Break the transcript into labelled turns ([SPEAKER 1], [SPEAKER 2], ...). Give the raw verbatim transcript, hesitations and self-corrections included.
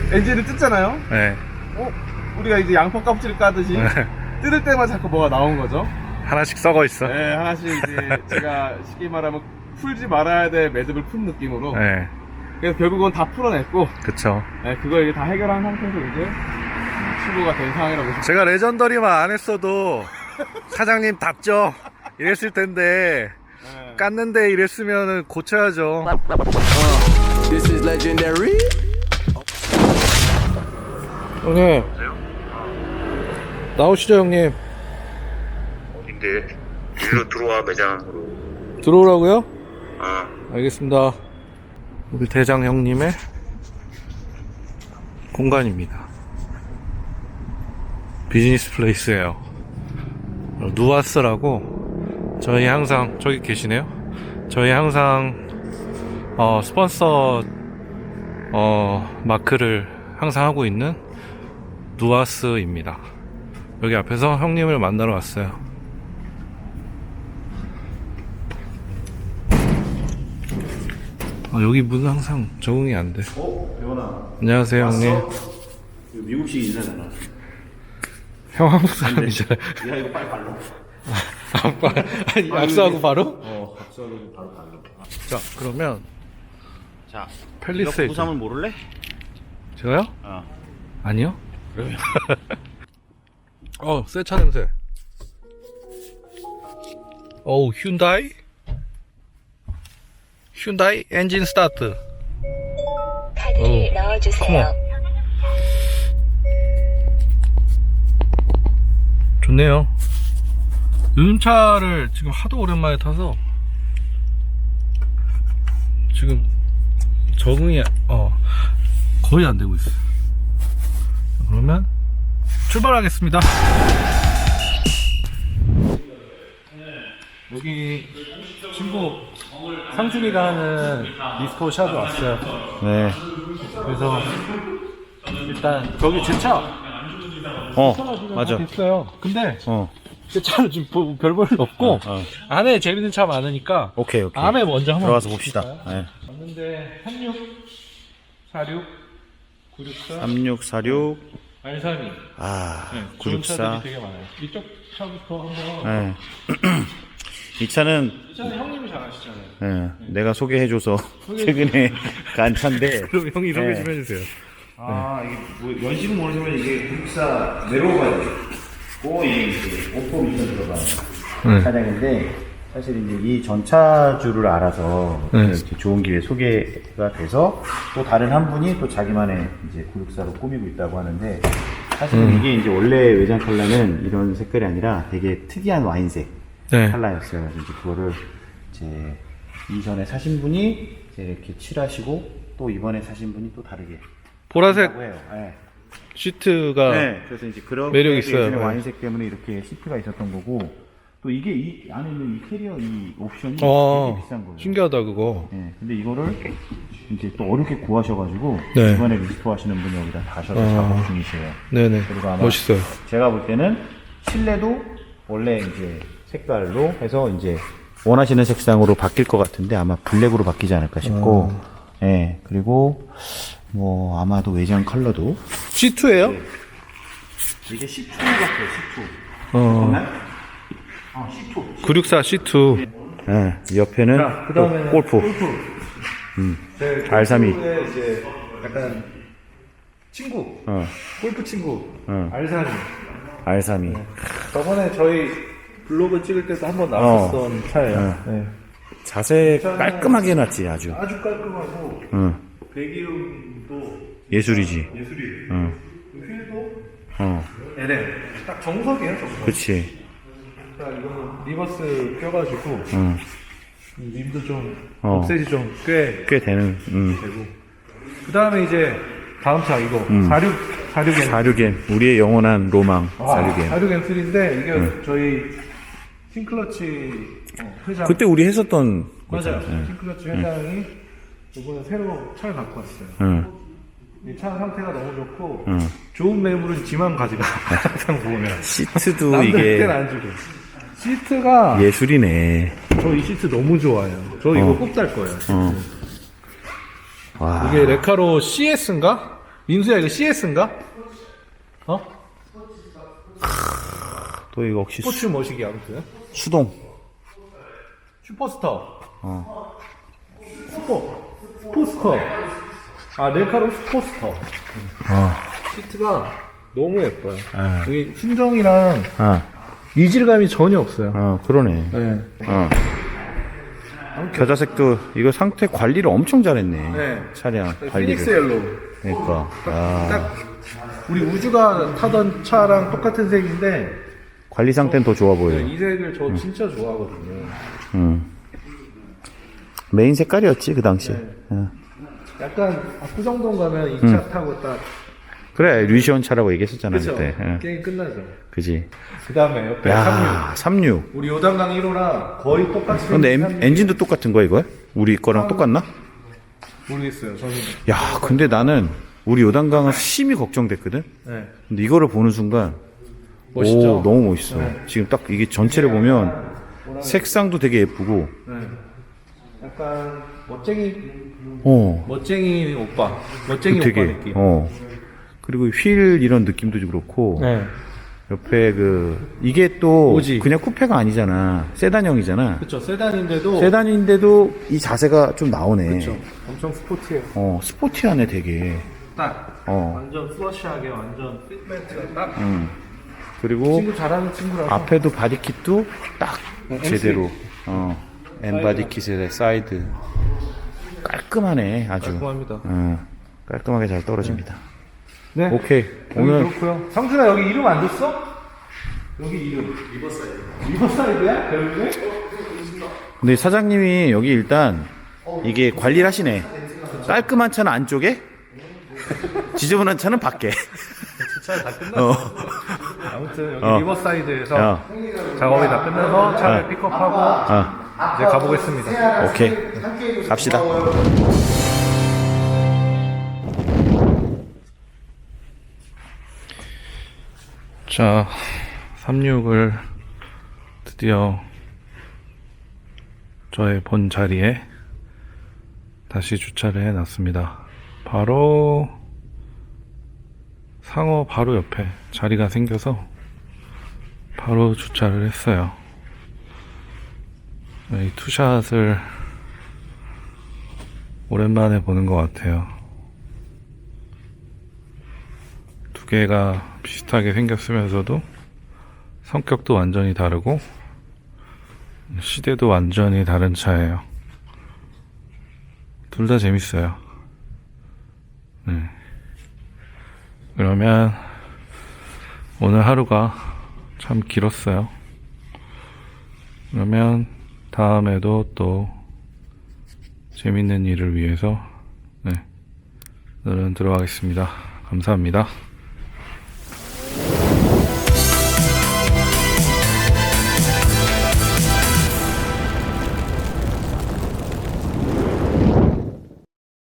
[SPEAKER 1] 엔진을 뜯잖아요.
[SPEAKER 2] 네.
[SPEAKER 1] 어? 우리가 이제 양파 껍질을 까듯이 뜯을 때만 자꾸 뭐가 나온 거죠.
[SPEAKER 2] 하나씩 썩어 있어.
[SPEAKER 1] 네, 하나씩 이제 제가 쉽게 말하면 풀지 말아야 될 매듭을 푼 느낌으로.
[SPEAKER 2] 네.
[SPEAKER 1] 그래서 결국은 다 풀어냈고,
[SPEAKER 2] 그쵸.
[SPEAKER 1] 네, 그걸 이제 다 해결한 상태에서 이제 출고가 된 상황이라고 보시면.
[SPEAKER 2] 제가 레전더리만 안 했어도 사장님 답죠. 이랬을 텐데
[SPEAKER 1] 네.
[SPEAKER 2] 깠는데 이랬으면 고쳐야죠.
[SPEAKER 3] This is legendary.
[SPEAKER 2] 형님 나오시죠 형님.
[SPEAKER 4] 어딘데? 여기로 들어와 매장으로.
[SPEAKER 2] 들어오라고요?
[SPEAKER 4] 아,
[SPEAKER 2] 알겠습니다. 우리 대장 형님의 공간입니다. 비즈니스 플레이스예요. 누아스라고 저희 항상 저기 계시네요. 저희 항상 어, 스폰서 어, 마크를 항상 하고 있는 누아스입니다. 여기 앞에서 형님을 만나러 왔어요. 아, 여기 문 항상 적응이 안 돼.
[SPEAKER 5] 어? 배원아.
[SPEAKER 2] 안녕하세요,
[SPEAKER 5] 왔어?
[SPEAKER 2] 형님.
[SPEAKER 5] 이거 미국식 인사잖아.
[SPEAKER 2] 형 한국 사람이잖아요.
[SPEAKER 5] 야, 이거 빨리 발로.
[SPEAKER 2] 아빠, 아니, 악수하고 바로?
[SPEAKER 5] 어, 박수하고 바로 발로.
[SPEAKER 2] 자, 그러면
[SPEAKER 5] 자,
[SPEAKER 2] 펠리세이드.
[SPEAKER 5] 부삼을 모를래?
[SPEAKER 2] 제가요?
[SPEAKER 5] 어.
[SPEAKER 2] 아니요. 어, 새 차 냄새. 어우, 휴다이? 휴다이 엔진 스타트.
[SPEAKER 6] 카드를 넣어주세요.
[SPEAKER 2] 좋네요. 요즘 차를 지금 하도 오랜만에 타서 지금 적응이 어 거의 안 되고 있어요. 그러면 출발하겠습니다. 여기 친구 상준이가 하는 미스코 샵에 왔어요.
[SPEAKER 5] 네.
[SPEAKER 2] 그래서 일단 저기 제 차
[SPEAKER 5] 어, 맞아.
[SPEAKER 2] 있어요. 근데
[SPEAKER 5] 어.
[SPEAKER 2] 제 차는 지금 뭐 별 볼 일 없고
[SPEAKER 5] 어, 어.
[SPEAKER 2] 안에 재밌는 차 많으니까
[SPEAKER 5] 오케이, 오케이.
[SPEAKER 2] 안에 먼저 한번
[SPEAKER 5] 들어가서 봅시다. 네.
[SPEAKER 2] 왔는데 삼육 사육 구육사
[SPEAKER 5] 삼육사육.
[SPEAKER 2] 알삼이
[SPEAKER 5] 아,
[SPEAKER 2] 네, 좋은
[SPEAKER 5] 구육사.
[SPEAKER 2] 차들이 되게 많아요. 이쪽 차부터 한번
[SPEAKER 5] 네. 이 차는
[SPEAKER 2] 이 차는 형님이 잘 아시잖아요.
[SPEAKER 5] 네, 내가 소개해줘서 최근에 간 차인데.
[SPEAKER 2] 그럼 형이 소개
[SPEAKER 5] 네.
[SPEAKER 2] 좀 해주세요.
[SPEAKER 5] 아, 이게 뭐 연식은 모르지만 이게 구육사 내려가야 돼. 고 이게 이제 오퍼 미션 들어가는
[SPEAKER 2] 네.
[SPEAKER 5] 차량인데 사실 이제 이 전차주를 알아서
[SPEAKER 2] 네.
[SPEAKER 5] 이렇게 좋은 기회에 소개가 돼서 또 다른 한 분이 또 자기만의 이제 구육사로 꾸미고 있다고 하는데 사실은
[SPEAKER 2] 음.
[SPEAKER 5] 이게 이제 원래 외장 컬러는 이런 색깔이 아니라 되게 특이한 와인색
[SPEAKER 2] 네.
[SPEAKER 5] 컬러였어요. 그래서 이제 그거를 이제 이전에 사신 분이 이제 이렇게 칠하시고 또 이번에 사신 분이 또 다르게
[SPEAKER 2] 보라색
[SPEAKER 5] 한다고 해요. 네.
[SPEAKER 2] 시트가
[SPEAKER 5] 네, 그래서 이제 그런
[SPEAKER 2] 매력 있어요.
[SPEAKER 5] 예전에
[SPEAKER 2] 네.
[SPEAKER 5] 와인색 때문에 이렇게 시트가 있었던 거고 또 이게 이 안에 있는 이 캐리어 이 옵션이
[SPEAKER 2] 어,
[SPEAKER 5] 되게 비싼 거예요.
[SPEAKER 2] 신기하다 그거.
[SPEAKER 5] 네, 근데 이거를 이제 또 어렵게 구하셔가지고
[SPEAKER 2] 네.
[SPEAKER 5] 이번에 리스토 하시는 분이 여기다 다셔서
[SPEAKER 2] 어.
[SPEAKER 5] 작업 중이세요.
[SPEAKER 2] 네네.
[SPEAKER 5] 그리고 아마
[SPEAKER 2] 멋있어요.
[SPEAKER 5] 제가 볼 때는 실내도 원래 이제 색깔로 해서 이제 원하시는 색상으로 바뀔 것 같은데 아마 블랙으로 바뀌지 않을까 싶고, 예 네, 그리고 뭐 아마도 외장 컬러도
[SPEAKER 2] 씨투예요?
[SPEAKER 5] 이게 씨투 같아요. 씨투.
[SPEAKER 2] 어.
[SPEAKER 5] 아, 씨투.
[SPEAKER 2] 구육사 씨투.
[SPEAKER 5] 네, 옆에는 또 골프. 음. 알삼이.
[SPEAKER 2] 이제 약간 친구,
[SPEAKER 5] 어,
[SPEAKER 2] 골프 친구,
[SPEAKER 5] 어.
[SPEAKER 2] 알삼이.
[SPEAKER 5] 알삼이.
[SPEAKER 2] 저번에 저희 블로그 찍을 때도 한번 나왔었던 차예요. 네.
[SPEAKER 5] 자세 깔끔하게 해놨지, 아주.
[SPEAKER 2] 아주 깔끔하고
[SPEAKER 5] 응.
[SPEAKER 2] 배기음도
[SPEAKER 5] 예술이지.
[SPEAKER 2] 예술이에요.
[SPEAKER 5] 응.
[SPEAKER 2] 휠도
[SPEAKER 5] 어,
[SPEAKER 2] 엘엠 딱 정석이에요, 정석.
[SPEAKER 5] 그치.
[SPEAKER 2] 자, 이거는 리버스 껴가지고
[SPEAKER 5] 응.
[SPEAKER 2] 림도 좀
[SPEAKER 5] 어.
[SPEAKER 2] 업셋이 좀 꽤
[SPEAKER 5] 꽤 되는, 응.
[SPEAKER 2] 되고. 그 다음에 이제 다음 차 이거
[SPEAKER 5] 음.
[SPEAKER 2] 사육 사육엔
[SPEAKER 5] 사륙엔, 우리의 영원한 로망,
[SPEAKER 2] 아,
[SPEAKER 5] 사륙엔.
[SPEAKER 2] 사육엔 삼인데 이게 저희 싱클러치 어, 회장
[SPEAKER 5] 그때 우리 했었던
[SPEAKER 2] 맞아요.
[SPEAKER 5] 거잖아. 응.
[SPEAKER 2] 싱클러치 회장이 이번에 새로 차를 갖고 왔어요.
[SPEAKER 5] 응.
[SPEAKER 2] 이 차 상태가 너무 좋고
[SPEAKER 5] 응.
[SPEAKER 2] 좋은 매물은 지만 가지가 항상 보면
[SPEAKER 5] 시트도
[SPEAKER 2] 남들
[SPEAKER 5] 이게
[SPEAKER 2] 때는 안 주고 시트가
[SPEAKER 5] 예술이네.
[SPEAKER 2] 저 이 시트 너무 좋아요. 저 이거 꼭 달 거예요. 시트.
[SPEAKER 5] 어. 와.
[SPEAKER 2] 이게 레카로 씨에스인가?
[SPEAKER 7] 민수야 이거 씨에스인가? 어?
[SPEAKER 5] 또 이거 혹시
[SPEAKER 7] 스포츠
[SPEAKER 5] 수,
[SPEAKER 7] 머시기 아무튼.
[SPEAKER 5] 수동.
[SPEAKER 7] 슈퍼스타.
[SPEAKER 5] 어.
[SPEAKER 7] 슈퍼. 스포스터. 아 넬카로 슈퍼스터.
[SPEAKER 5] 어.
[SPEAKER 7] 시트가 너무 예뻐요.
[SPEAKER 5] 아.
[SPEAKER 7] 여기 순정이랑
[SPEAKER 5] 아.
[SPEAKER 7] 이질감이 전혀 없어요.
[SPEAKER 5] 어, 그러네.
[SPEAKER 7] 네.
[SPEAKER 5] 어. 겨자색도 이거 상태 관리를 엄청 잘했네.
[SPEAKER 7] 네.
[SPEAKER 5] 차량
[SPEAKER 7] 피닉스
[SPEAKER 5] 관리를.
[SPEAKER 7] 옐로우.
[SPEAKER 5] 그러니까. 아.
[SPEAKER 7] 딱 우리 우주가 타던 차랑 똑같은 색인데
[SPEAKER 5] 관리 상태는 더 좋아 보여.
[SPEAKER 7] 네, 이 색을 저 진짜 좋아하거든요.
[SPEAKER 5] 음. 메인 색깔이었지 그 당시.
[SPEAKER 7] 네.
[SPEAKER 5] 어.
[SPEAKER 7] 약간 압구정동 가면 이 차 타고 딱
[SPEAKER 5] 그래 류시원 차라고 얘기했었잖아
[SPEAKER 7] 그쵸?
[SPEAKER 5] 그때. 어.
[SPEAKER 7] 게임 끝나죠.
[SPEAKER 5] 그지.
[SPEAKER 7] 그 다음에 옆에
[SPEAKER 5] 야,
[SPEAKER 7] 삼육.
[SPEAKER 5] 삼육.
[SPEAKER 7] 우리 요단강 일 호랑 거의 똑같이
[SPEAKER 5] 근데
[SPEAKER 7] 생긴
[SPEAKER 5] 엔,
[SPEAKER 7] 삼육.
[SPEAKER 5] 엔진도 똑같은 거야 이거? 우리 거랑 똑같나?
[SPEAKER 7] 모르겠어요. 저는.
[SPEAKER 5] 야, 근데 나는 우리 요단강은 심히 걱정됐거든.
[SPEAKER 7] 네.
[SPEAKER 5] 근데 이거를 보는 순간
[SPEAKER 7] 멋있죠?
[SPEAKER 5] 오, 너무 멋있어.
[SPEAKER 7] 네.
[SPEAKER 5] 지금 딱 이게 전체를 보면 색상도 되게 예쁘고.
[SPEAKER 7] 네. 약간 멋쟁이
[SPEAKER 5] 어.
[SPEAKER 7] 멋쟁이 오빠. 멋쟁이
[SPEAKER 5] 되게
[SPEAKER 7] 오빠 느낌.
[SPEAKER 5] 어. 그리고 휠 이런 느낌도 그렇고.
[SPEAKER 7] 네.
[SPEAKER 5] 옆에 그 이게 또
[SPEAKER 7] 오지.
[SPEAKER 5] 그냥 쿠페가 아니잖아. 세단형이잖아.
[SPEAKER 7] 그쵸. 세단인데도.
[SPEAKER 5] 세단인데도 이 자세가 좀 나오네.
[SPEAKER 7] 그쵸. 엄청 스포티해요.
[SPEAKER 5] 어, 스포티하네 되게.
[SPEAKER 7] 딱.
[SPEAKER 5] 어.
[SPEAKER 7] 완전 슬러시하게 완전 핏멘트가 딱.
[SPEAKER 5] 음. 그리고
[SPEAKER 7] 친구 잘하는 친구라서.
[SPEAKER 5] 앞에도 바디킷도 딱
[SPEAKER 7] 네,
[SPEAKER 5] 제대로. 어. N 바디킷의 사이드. 깔끔하네 아주.
[SPEAKER 7] 깔끔합니다.
[SPEAKER 5] 어. 깔끔하게 잘 떨어집니다.
[SPEAKER 7] 네.
[SPEAKER 5] 오케이.
[SPEAKER 7] 오늘
[SPEAKER 5] 오늘
[SPEAKER 7] 그렇고요. 상준아 여기 이름 안 줬어? 여기 이름. 리버사이드. 리버사이드야? 결국에?
[SPEAKER 5] 근데 사장님이 여기 일단 이게 관리를 하시네. 깔끔한 차는 안쪽에, 지저분한 차는 밖에.
[SPEAKER 7] 주차를 다 끝났어.
[SPEAKER 5] 어.
[SPEAKER 7] 아무튼 여기
[SPEAKER 5] 어.
[SPEAKER 7] 리버사이드에서
[SPEAKER 5] 야.
[SPEAKER 7] 작업이 다 끝나서 차를
[SPEAKER 5] 어.
[SPEAKER 7] 픽업하고
[SPEAKER 5] 어.
[SPEAKER 7] 이제 가보겠습니다.
[SPEAKER 5] 오케이. 갑시다.
[SPEAKER 2] 자, 삼십육을 드디어 저의 본 자리에 다시 주차를 해놨습니다. 바로 상어 바로 옆에 자리가 생겨서 바로 주차를 했어요. 이 투샷을 오랜만에 보는 것 같아요. 두 개가 비슷하게 생겼으면서도 성격도 완전히 다르고 시대도 완전히 다른 차예요. 둘 다 재밌어요. 네. 그러면 오늘 하루가 참 길었어요. 그러면 다음에도 또 재밌는 일을 위해서 네, 오늘은 들어가겠습니다. 감사합니다.